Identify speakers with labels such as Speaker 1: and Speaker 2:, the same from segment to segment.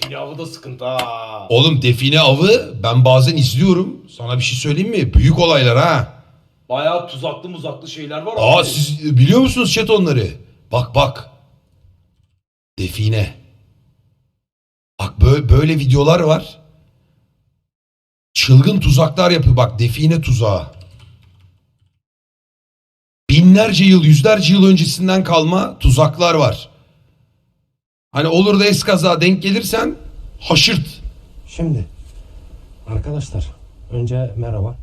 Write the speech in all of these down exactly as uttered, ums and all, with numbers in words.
Speaker 1: define avı da sıkıntı ha.
Speaker 2: Oğlum define avı ben bazen izliyorum. Sana bir şey söyleyeyim mi? Büyük olaylar ha.
Speaker 1: Bayağı tuzaklı muzaklı şeyler var
Speaker 2: Aa
Speaker 1: abi.
Speaker 2: siz biliyor musunuz chat onları? Bak bak. Define. Bak böyle, böyle videolar var. Çılgın tuzaklar yapıyor. Bak define tuzağı. Binlerce yıl, yüzlerce yıl öncesinden kalma tuzaklar var. Hani olur da eskaza denk gelirsen haşırt.
Speaker 3: Şimdi arkadaşlar önce merhaba.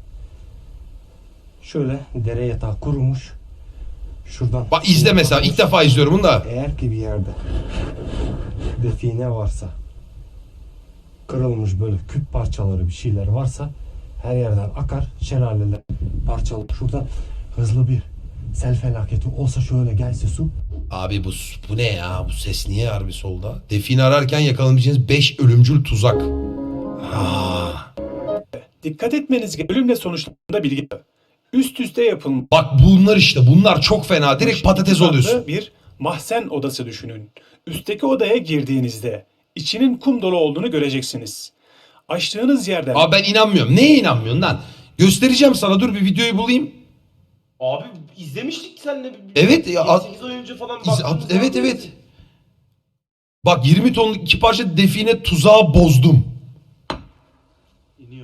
Speaker 3: Şöyle dere yatağı kurumuş. Şuradan.
Speaker 2: Bak izle mesela ilk defa izliyorum bunu da.
Speaker 3: Eğer ki bir yerde define varsa, kırılmış böyle küp parçaları bir şeyler varsa her yerden akar, şelaleler parçalı. Şuradan hızlı bir sel felaketi olsa şöyle gelse su.
Speaker 2: Abi bu bu ne ya? Bu ses niye harbi solda? Define ararken yakalanabileceğiniz beş ölümcül tuzak. Aa.
Speaker 4: Dikkat etmeniz gereken ölümle sonuçlanında bilgi. Üst üste yapılmış
Speaker 2: Bak bunlar işte bunlar çok fena. Direkt patates
Speaker 4: tuzaklı
Speaker 2: oluyorsun.
Speaker 4: bir mahzen odası düşünün. Üstteki odaya girdiğinizde içinin kum dolu olduğunu göreceksiniz. Açtığınız yerden
Speaker 2: Abi ben inanmıyorum. Neye inanmıyorsun lan? Göstereceğim sana, dur bir videoyu bulayım.
Speaker 1: Abi izlemiştik seninle. bir-
Speaker 2: Evet ya,
Speaker 1: yedi sekiz ay önce falan
Speaker 2: İz-
Speaker 1: baktığımız
Speaker 2: evet
Speaker 1: zaman-
Speaker 2: evet. Bak yirmi tonluk iki parça define tuzağı bozdum.
Speaker 5: İniyor.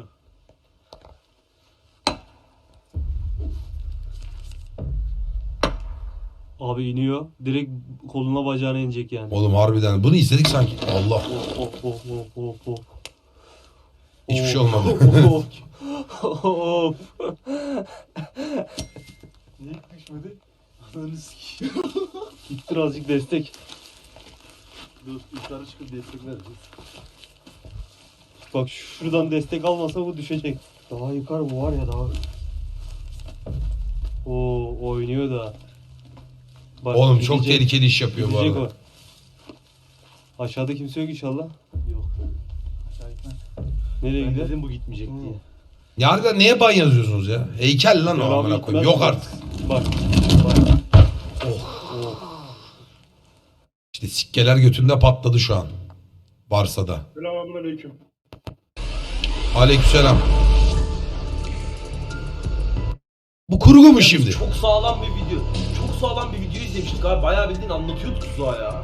Speaker 5: Abi iniyor. Direkt koluna bacağına inecek yani.
Speaker 2: Oğlum harbiden bunu izledik sanki. Allah.
Speaker 5: Hop hop hop hop hop hop.
Speaker 2: Hiçbir şey olmadı.
Speaker 5: Hop. Hop. Niye düşmedi? Ananı sikeyim. Git birazcık destek. Dur yukarı çıkıp destek vereceğiz. Bak şuradan destek almasa bu düşecek. Daha yukarı bu var ya daha. Oo oynuyor da. Bak,
Speaker 2: Oğlum çok
Speaker 5: gidecek,
Speaker 2: tehlikeli iş yapıyor bu
Speaker 5: gidecek
Speaker 2: arada.
Speaker 5: o. Aşağıda kimse yok inşallah.
Speaker 6: Yok. Aşağı gitmez.
Speaker 5: Nereye
Speaker 6: Ben
Speaker 5: gider?
Speaker 6: dedim bu gitmeyecek diye.
Speaker 2: Ya harbiden neye ban yazıyorsunuz ya? Heykel lan o
Speaker 5: Devamı
Speaker 2: amına koyayım.
Speaker 5: gitmez
Speaker 2: Yok
Speaker 5: mi?
Speaker 2: artık.
Speaker 5: Bak. Bak. Oh.
Speaker 2: İşte sikkeler götünde patladı şu an. Varsa da.
Speaker 4: Selamünaleyküm.
Speaker 2: Aleykümselam. Bu kurgu mu şimdi?
Speaker 1: Çok sağlam bir video. Çok sağlam bir video izlemiştik abi. Bayağı bildiğin anlatıyordu tuzağı ya.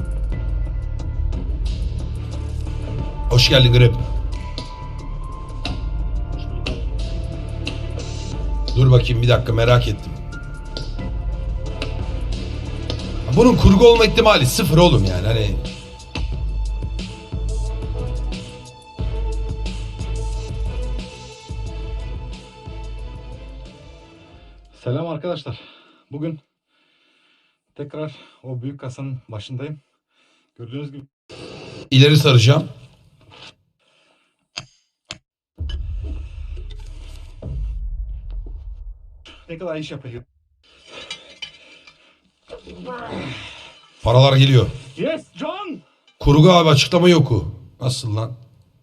Speaker 2: Hoş geldin Grip. Dur bakayım bir dakika, merak ettim. Bunun kurgu olma ihtimali sıfır oğlum yani hani.
Speaker 6: Selam arkadaşlar. Bugün tekrar o büyük kasanın başındayım. Gördüğünüz gibi
Speaker 2: İleri saracağım.
Speaker 6: ne kadar iş yapıyor.
Speaker 2: Paralar geliyor.
Speaker 6: Yes John!
Speaker 2: Kurgu abi, açıklama yoku. Nasıl lan?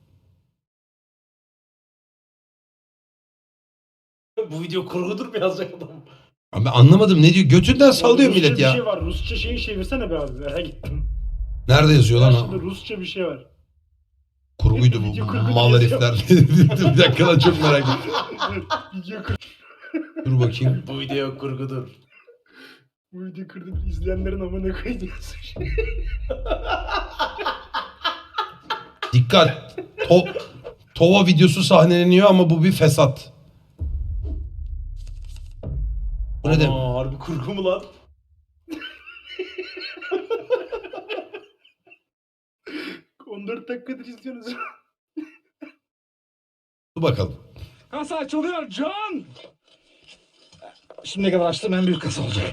Speaker 1: Bu video kurgudur mu yazacak adam?
Speaker 2: Abi ben anlamadım, ne diyor? Götünden sallıyor
Speaker 7: Rusça
Speaker 2: millet
Speaker 7: bir
Speaker 2: ya.
Speaker 7: şey var. Rusça şeyi çevirsene be abi. Merak ettim.
Speaker 2: Nerede yazıyor lan
Speaker 7: Karşında
Speaker 2: o?
Speaker 7: Rusça bir şey var.
Speaker 2: Kurguydu
Speaker 7: Video
Speaker 2: bu.
Speaker 7: kurgu
Speaker 2: Mal
Speaker 7: yazıyor.
Speaker 2: herifler. Bir dakika lan, çok merak ettim.
Speaker 7: Video kır.
Speaker 2: Dur bakayım.
Speaker 1: Bu video kurgudur.
Speaker 7: Bu video kırdım. İzleyenlerin amına koyduğu
Speaker 2: Dikkat. To Tova videosu sahneleniyor ama bu bir fesat. Bu ne demek?
Speaker 1: Aa, harbi kurgu mu lan?
Speaker 7: on dört dakikadır izliyorsunuz.
Speaker 2: Dur bakalım.
Speaker 6: Kasa açılıyor John! Şimdiye kadar açtığım en büyük kasa olacak.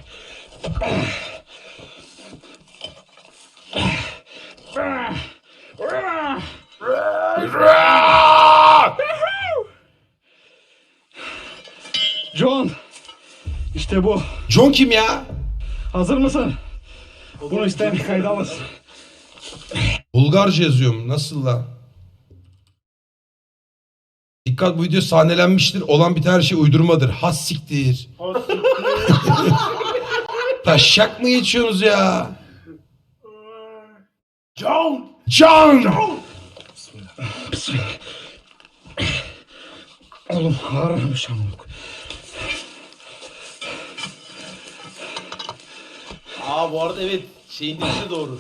Speaker 6: John! İşte bu.
Speaker 2: John kim ya?
Speaker 6: Hazır mısın? Bunu isteyen kayda alırsın.
Speaker 2: Bulgarca yazıyorum. Nasıl lan? Dikkat, bu video sahnelenmiştir. Olan biten her şey uydurmadır. Has siktir. Taşak mı geçiyorsunuz ya?
Speaker 1: John!
Speaker 2: John!
Speaker 6: Bismillah. Oğlum ağırmış amık.
Speaker 1: Aa bu arada evet şeyin dediği de doğru.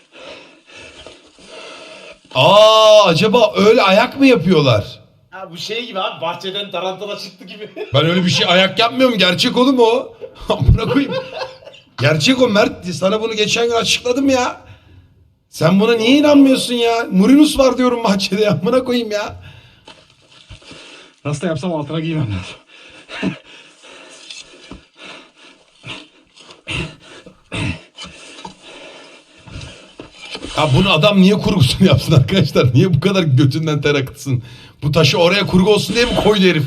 Speaker 2: Aa acaba öyle ayak mı yapıyorlar?
Speaker 1: Ha bu şey gibi abi bahçeden tarantala çıktı gibi.
Speaker 2: Ben öyle bir şey ayak yapmıyorum. Gerçek oğlum o. Amına koyayım. Gerçek o Mert. Sana bunu geçen gün açıkladım ya. Sen buna niye inanmıyorsun ya? Murinus var diyorum bahçede ya. Amına koyayım ya.
Speaker 6: Nasıl da yapsam altına giymem lazım.
Speaker 2: Ya bunu adam niye kurgusunu yapsın arkadaşlar? Niye bu kadar götünden ter akıtsın? Bu taşı oraya kurgu olsun diye mi koydu herif?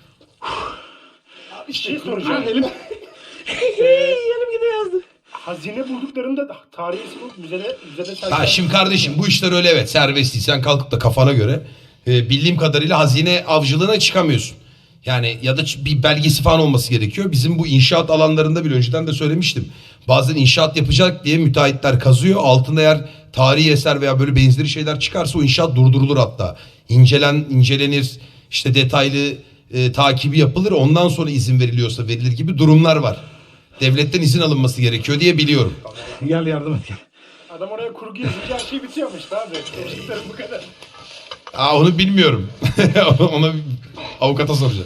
Speaker 7: Bir şey soracağım.
Speaker 6: Elim. Elim gidiyor yazdı.
Speaker 7: Hazine bulduklarında tarihi bulup müzede müzede
Speaker 2: Ha
Speaker 7: sergilen-
Speaker 2: şimdi kardeşim bu işler öyle evet serbest değil. Sen kalkıp da kafana göre e, bildiğim kadarıyla hazine avcılığına çıkamıyorsun. Yani ya da ç- bir belgesi falan olması gerekiyor. Bizim bu inşaat alanlarında bile önceden de söylemiştim. Bazen inşaat yapacak diye müteahhitler kazıyor. Altında eğer tarihi eser veya böyle benzeri şeyler çıkarsa o inşaat durdurulur hatta. İncelen, incelenir işte detaylı e, takibi yapılır. Ondan sonra izin veriliyorsa verilir gibi durumlar var. Devletten izin alınması gerekiyor diye biliyorum.
Speaker 6: Gel yardım et gel.
Speaker 7: Adam oraya kurgu yazınca her şey bitiyormuş abi. Konuştuklarım bu kadar.
Speaker 2: Aa onu bilmiyorum. Ona bir avukata soracağım.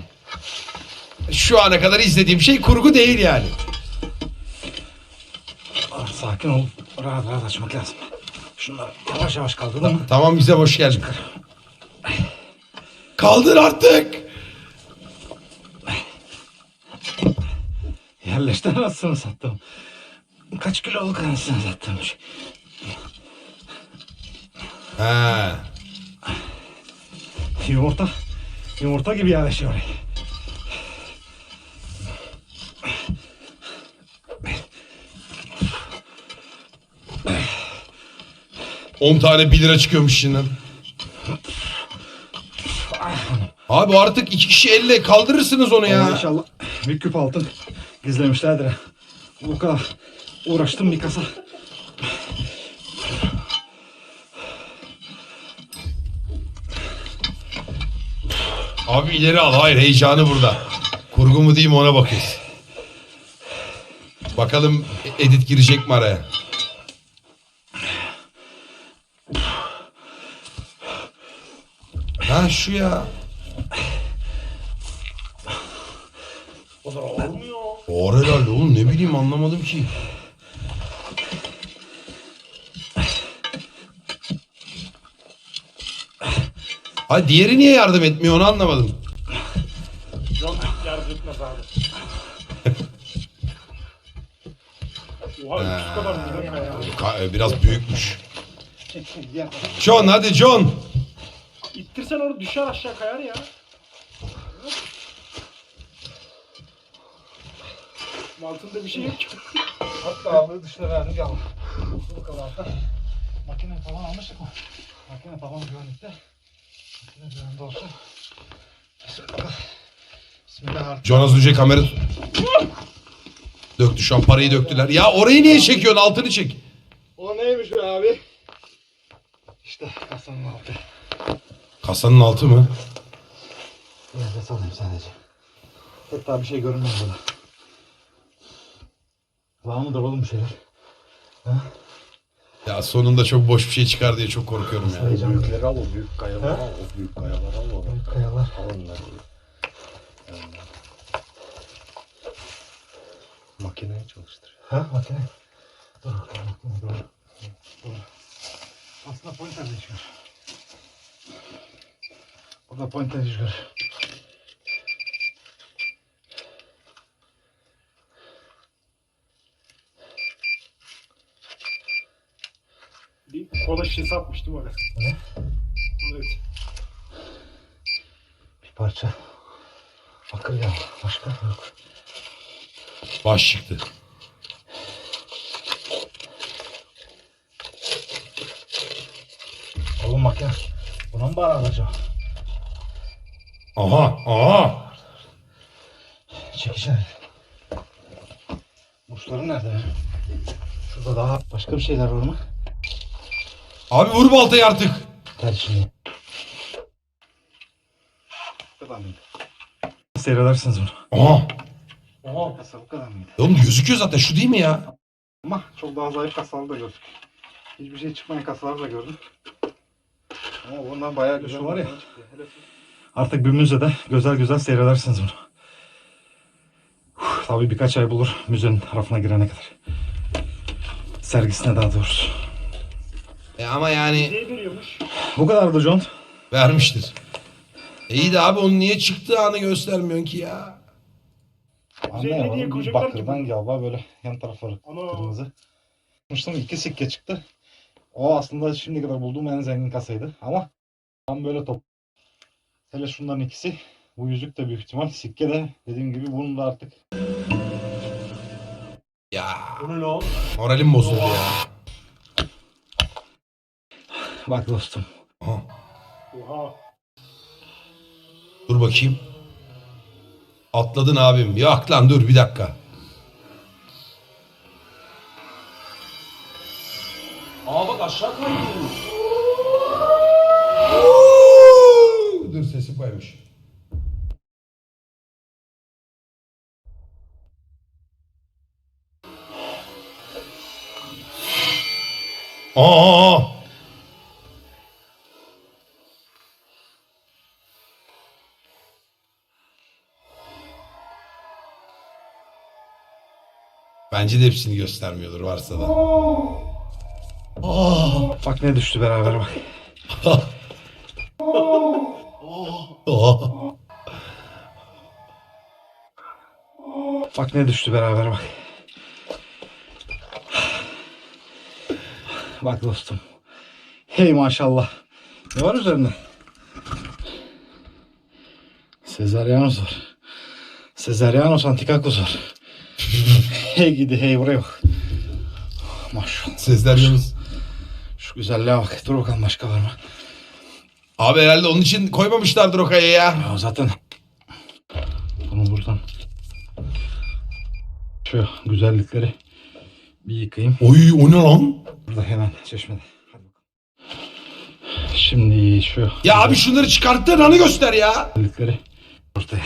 Speaker 2: Şu ana kadar izlediğim şey kurgu değil yani.
Speaker 6: Ah, sakin ol. Rahat rahat açmak lazım. Şunları yavaş yavaş kaldıralım mı?
Speaker 2: Tamam bize hoş geldin. Kaldır artık.
Speaker 6: Yerleşti anasını sattım. Kaç kiloluk anasını sattım.
Speaker 2: Ha.
Speaker 6: Yumurta. Yumurta gibi yerleşiyor oraya.
Speaker 2: on tane bir lira çıkıyormuş içinden. Abi artık iki kişi elle kaldırırsınız onu
Speaker 6: Ama
Speaker 2: ya.
Speaker 6: inşallah bir küp altın gizlemişlerdir. ha. Bu kadar uğraştım bir kasa.
Speaker 2: Abi ileri al. Hayır heyecanı burada. Kurgu mu değil mi ona bakıyoruz. Bakalım edit girecek mi araya? Ha şu ya.
Speaker 1: O da olmuyor.
Speaker 2: Ağır herhalde oğlum ne bileyim anlamadım ki. Hayır diğeri niye yardım etmiyor onu anlamadım.
Speaker 7: Yok yardım etmez abi. Oha üç kadar mı ya?
Speaker 2: Ka- Biraz büyükmüş. John hadi John.
Speaker 7: İttirsen onu düşer aşağı kayar ya. Altında bir şey yok ki.
Speaker 6: Hatta ağırlığı dışına verdim yavrum. Bu kadar da makine falan almıştık mı? Makine babam güvenlikte. Makine güvende olsun. Bismillah. Bismillah.
Speaker 2: John az önce kamera döktü şu an parayı döktüler. Ya orayı niye çekiyorsun altını çek.
Speaker 6: O neymiş be abi? İşte kasanın altı.
Speaker 2: Kasanın altı mı?
Speaker 6: Nefes alayım sadece. Hatta bir şey görünmez burada. Var mıdır oğlum bir şeyler? Ha?
Speaker 2: Ya sonunda çok boş bir şey çıkar diye çok korkuyorum ya.
Speaker 6: Heyecan yok.
Speaker 5: Büyükleri al o büyük kayaları al. O büyük kayaları al. o.
Speaker 6: Büyük kayalar.
Speaker 5: Al onları. Makineyi çalıştır.
Speaker 6: Ha makine. Dur bakalım makine dur. Dur. Aslında pointer de çıkar. Burada pointer çıkar.
Speaker 7: Bir kola şişesi atmıştım oraya.
Speaker 6: Ne?
Speaker 7: Evet.
Speaker 6: Bir parça. Bakır ya. Başka yok.
Speaker 2: Baş çıktı.
Speaker 6: Oğlum makine. Buna mı bağlı acaba?
Speaker 2: Aha aha.
Speaker 6: Çekiş nerede? Burçları nerede ya? Şurada daha başka bir şeyler var mı?
Speaker 2: Abi vur baltayı artık.
Speaker 3: ter içinde. Bu kadar mıydı? Seyredersiniz bunu.
Speaker 2: Aha.
Speaker 1: Aha.
Speaker 3: Kasa bu kadar mıydı?
Speaker 2: Oğlum gözüküyor zaten şu değil mi ya?
Speaker 3: Ama çok daha zayıf kasaları da gördük. Hiçbir şey çıkmayan kasaları da gördüm. Ama bundan bayağı güzel var ya. Artık bir müzede güzel güzel seyredersiniz bunu. Uf, tabii birkaç ay bulur müzenin tarafına girene kadar. Sergisine daha doğrusu.
Speaker 2: E ama yani
Speaker 7: Ne veriyormuş?
Speaker 3: Bu kadardı John.
Speaker 2: vermiştir. E iyi de abi onun niye çıktığı anı göstermiyorsun ki ya?
Speaker 7: Üzerine niye
Speaker 3: bir
Speaker 7: koyacaklar ki
Speaker 3: bakırdan
Speaker 7: bunu?
Speaker 3: galiba böyle yan tarafları
Speaker 7: Ana.
Speaker 3: kırmızı. Yapmıştım, iki sikke çıktı. O aslında şimdiye kadar bulduğum en zengin kasaydı. Ama tam böyle top. Hele şunların ikisi. Bu yüzük de büyük ihtimal. Sikke de dediğim gibi bunun da artık.
Speaker 2: Ya
Speaker 1: Bu ne lan?
Speaker 2: moralim bozuldu ya.
Speaker 3: Bak dostum.
Speaker 2: Aha.
Speaker 7: Oha.
Speaker 2: Dur bakayım. Atladın abim. Yok lan dur bir dakika.
Speaker 1: Aa bak aşağı kaydı.
Speaker 2: Dur sesi koymuş. Aa! Bence de hepsini göstermiyordur varsa da. Aa!
Speaker 3: Bak ne düştü beraber bak.
Speaker 2: Aa!
Speaker 3: Bak ne düştü beraber bak. Bak dostum. Hey maşallah. Ne var üzerinde? Sezaryanos var. Sezaryanos Antikakos var. Hey gidi hey buraya bak. Maşallah.
Speaker 2: Sesler yalnız.
Speaker 3: Şu güzelliğe bak. Dur bakalım başka var mı?
Speaker 2: Abi herhalde onun için koymamışlardır o kayaya ya.
Speaker 3: Ya zaten bunu buradan şu güzellikleri bir yıkayayım.
Speaker 2: Oy o ne lan?
Speaker 3: Burada hemen çeşmede. Hadi bakalım. Şimdi şu
Speaker 2: Ya abi şunları çıkarttığın anı göster ya.
Speaker 3: güzellikleri ortaya.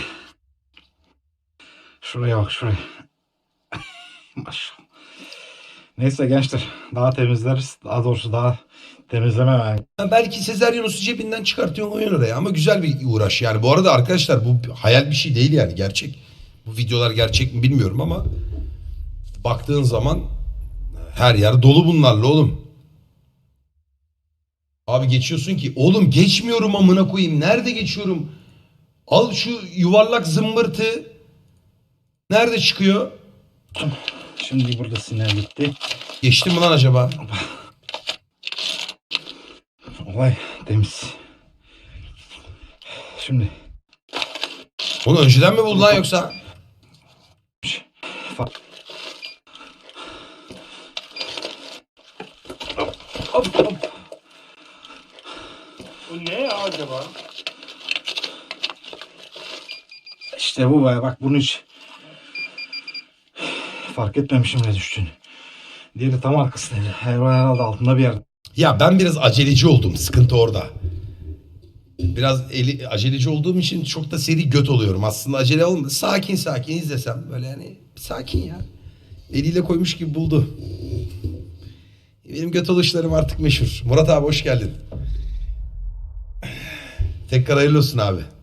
Speaker 3: Şuraya bak şuraya. Maşallah. Neyse gençler daha temizleriz. Daha doğrusu daha temizleme yani.
Speaker 2: Ya belki Sezaryonos'u cebinden çıkartıyorsun koyuyorsun oraya ama güzel bir uğraş yani. Bu arada arkadaşlar bu hayal bir şey değil yani gerçek. Bu videolar gerçek mi bilmiyorum ama baktığın zaman her yer dolu bunlarla oğlum. Abi geçiyorsun ki oğlum geçmiyorum amına koyayım. Nerede geçiyorum? Al şu yuvarlak zımbırtı. Nerede çıkıyor?
Speaker 3: Şimdi burada sinir bitti.
Speaker 2: Geçtim mi lan acaba?
Speaker 3: Olay temiz. Şimdi
Speaker 2: Onu önceden mi buldun lan yoksa?
Speaker 3: hop hop.
Speaker 7: Bu ne ya acaba?
Speaker 3: İşte bu be bak bunu hiç fark etmemişim ne düştüğünü. Diğeri tam arkasındaydı. Herhalde altında bir yerde.
Speaker 2: Ya ben biraz aceleci oldum. Sıkıntı orada. Biraz eli, aceleci olduğum için çok da seri göt oluyorum. Aslında acele olmadı. Sakin sakin izlesem böyle yani sakin ya. Eliyle koymuş gibi buldu. Benim göt oluşlarım artık meşhur. Murat abi hoş geldin. Tekrar hayırlı olsun abi.